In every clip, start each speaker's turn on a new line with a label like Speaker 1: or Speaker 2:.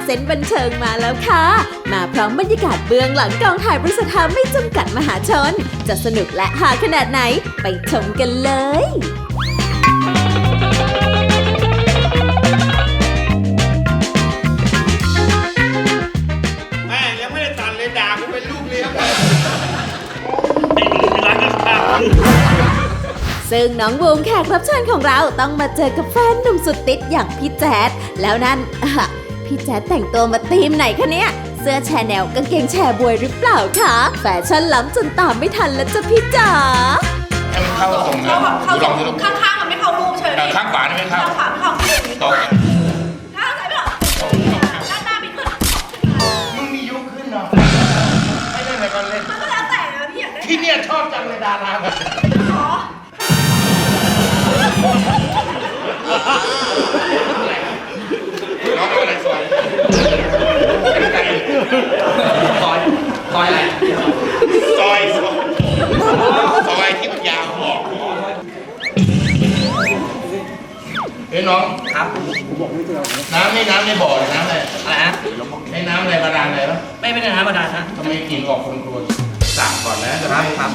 Speaker 1: เส้นบันเทิงมาแล้วค่ะ มาพร้อมบรรยากาศเบื้องหลังกองถ่ายบริษัทไม่จำกัดมหาชน จะสนุกและฮาขนาดไหนไปชมกันเลย
Speaker 2: แม่ยังไม่ได้ตัดเลยด่ากูเป็นลูกเลี้ยง
Speaker 1: ซึ่งน้องบูมแขกรับเชิญของเราต้องมาเจอกับแฟนหนุ่มสุดติดอย่างพี่แจ๊ดแล้วนั่นพี่แจ๊ดแต่งตัวมาธีมไหนคะเนี่ยเสื้อแชร์แนวกางเกงแชร์บวยหรือเปล่าคะแฟชั่นล้ำจนตามไม่ทันแล้วจ้ะพี่จ๋า
Speaker 2: ให้มันเข้าตรงนะดูลองดูลอง
Speaker 3: ข้างๆมันไม่เข้ารูปเฉย
Speaker 2: ข้างขวานี่ไม่เข้า
Speaker 3: ข้างขวาไม่เข้า
Speaker 2: ตรง
Speaker 3: ข้างซ้ายไม่เข้าด้านหน้าไม่ขึ้น
Speaker 2: มึงมียุคขึ้นเนาะไม่เล่นอะไรก็เล่น
Speaker 3: มันก็แล้วแต่นะพี่อยากได้
Speaker 2: ที่เนี่ยชอบจังเลยดาราแบบ
Speaker 3: ขอ
Speaker 2: น้องอะไรซอยอะไรซอยที่มันยาวบอกเฮ้ยน้องครับน้ำนี่น้ำในบ่อหรือน้ำอะไร
Speaker 4: อะไรฮะ
Speaker 2: ในน้ำอะไรบาดาลอะไรปะ
Speaker 4: ไม่ได้น้ำบาดาลฮะ
Speaker 2: ทำไมกลิ่นออกคนครัวสั่งก่อนนะจะได้ครับ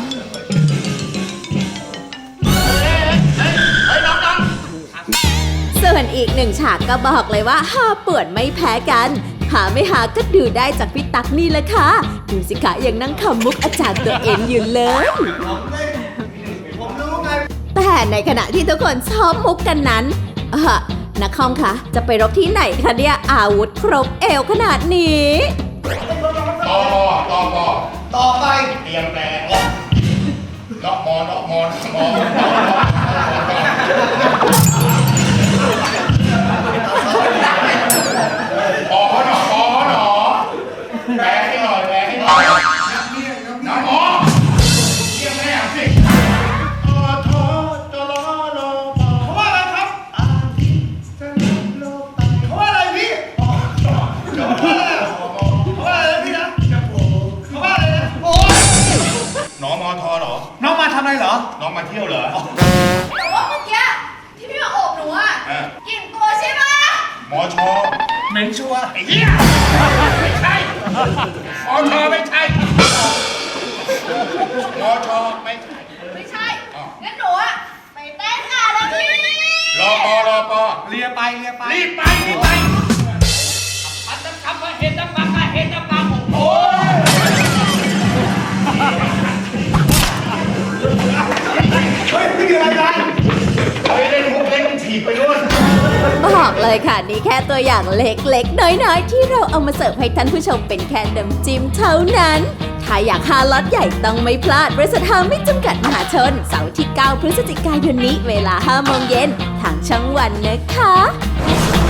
Speaker 1: ส่วนอีกหนึ่งฉากก็บอกเลยว่าฮาป่วนไม่แพ้กันหาไม่หาก็ดูได้จากพี่ตั๊กนี่แหละค่ะดูสิคะยังนั่งขำมุกอาจารย์ตัวเองอยู่เลยแต่ในขณะที่ทุกคนชอบมุกกันนั้นนักคอมคะจะไปรบที่ไหนคะเนี่ยอาวุธครบเอวขนาดนี้
Speaker 2: ต่อไปเตรียมแปลนอกมอนอกมอนมอพอหนอแปลให้หน่อยแปลให้หน่อยน้ำหมอเรียกแม่สิเขาว่าอะไรครับเขาว่าอะไรพี่เขาว่าอะไรพี่นะเขาว่าอะไรนะโอ้ยหนอมอทอเหรอ
Speaker 4: น้องมาทำอะไรเหรอ
Speaker 2: น้องมาเที่ยวเหรอ
Speaker 3: แต่ว่าเมื่อกี้ที่พี่มาโอบหนูอะกลิ่นตัวใช่ไหม
Speaker 2: หมอชอ
Speaker 4: เหม็นชัวร์
Speaker 2: ไอ้เหี้ยไม่ใช่หมอชอไม่ใช่หมอชอไม่ใช่
Speaker 3: ไม่ใช่งั้นหนูอะไปเต้นงานแล้วพี่
Speaker 2: รอปอ
Speaker 4: เลียไป
Speaker 2: รีบไป
Speaker 4: มันจะทำว่าเห็นน้ำปังเห็นน้ำปังโอ้ย
Speaker 2: เฮ้ยนี่อะไรกันเฮ้ยเล่นมุกเล่นถีบไปนู่น
Speaker 1: บอกเลยค่ะนี่แค่ตัวอย่างเล็กๆ น้อยๆ ที่เราเอามาเสิร์ฟให้ท่านผู้ชมเป็นแค่น้ำจิ้มเท่านั้น ถ้าอยากหาล็อตใหญ่ต้องไม่พลาดบริษัทไม่จำกัดมหาชนเสาร์ที่ 9 พฤศจิกายนนี้เวลา 5 โมงเย็นทางช่องวันนะคะ